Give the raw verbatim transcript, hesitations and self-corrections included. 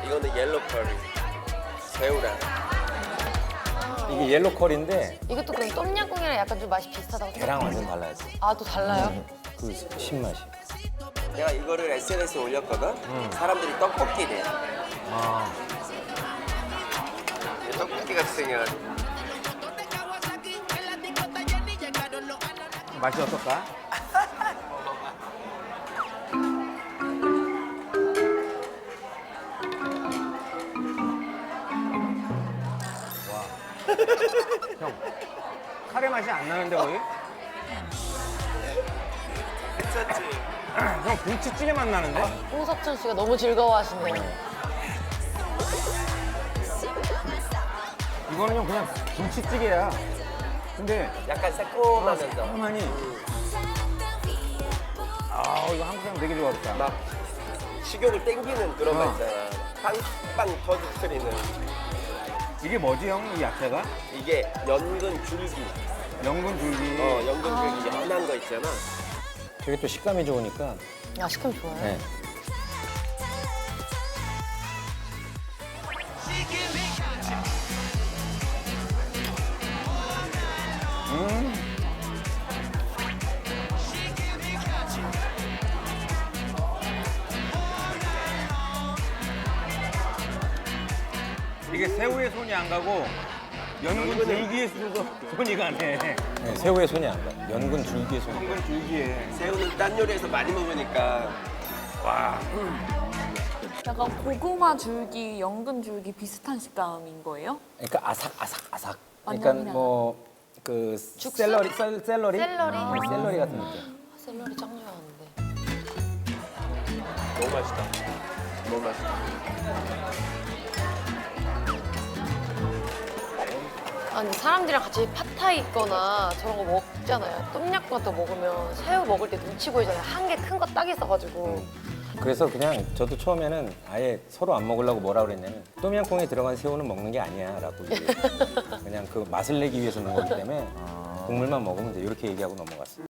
이거는 옐로 커리. 새우랑. 이게 옐로 컬인데 이것도 그럼 똠양꿍이랑 약간 좀 맛이 비슷하다고 걔랑 생각해요? 완전 달라야지. 아, 또 달라요? 그 신맛이. 내가 이거를 에스엔에스에 올렸거든. 사람들이 떡볶이래. 아, 떡볶이 같이 생겨가지고. 맛이 어떨까? 형, 카레 맛이 안 나는데 거의? 괜찮지? 형 김치찌개 맛 나는데? 홍석천 씨가 너무 즐거워하시네요. 이거는 형 그냥 김치찌개야. 근데 약간 새콤하면서 가만히 아 이거 한국 사람 되게 좋아하겠다. 막 식욕을 땡기는 그런 어. 맛 있잖아. 빵빵 터지트리는. 이게 뭐지 형? 이 야채가? 이게 연근 줄기. 연근 줄기. 어, 연근 줄기 연한 거 있잖아. 되게 또 식감이 좋으니까. 아, 식감 좋아요. 네. 이게 새우에 손이 안 가고 연근 줄기에 손- 손이 가네. 네, 새우에 손이 안 가. 연근 줄기에 손이 가. 연근 줄기에. 새우는 딴 요리에서 많이 먹으니까 와. 약간 고구마 줄기, 연근 줄기 비슷한 식감인 거예요? 그러니까 아삭 아삭 아삭. 완전 그러니까 그냥. 뭐 그 죽순? 샐러리 셀, 샐러리 샐러리? 네, 샐러리 같은 느낌. 아, 샐러리 짱 좋아하는데. 너무 맛있다. 너무 맛있다. 아니, 사람들이랑 같이 팟타이 있거나 저런 거 먹잖아요. 똠양꿍 같은 거 먹으면 새우 먹을 때 눈치 보이잖아요. 한 개 큰 거 딱 있어가지고. 그래서 그냥 저도 처음에는 아예 서로 안 먹으려고 뭐라 그랬냐면 똠양꿍에 들어간 새우는 먹는 게 아니야라고 얘기해요. 그냥 그 맛을 내기 위해서 넣은 거기 때문에 국물만 먹으면 돼 이렇게 얘기하고 넘어갔어요.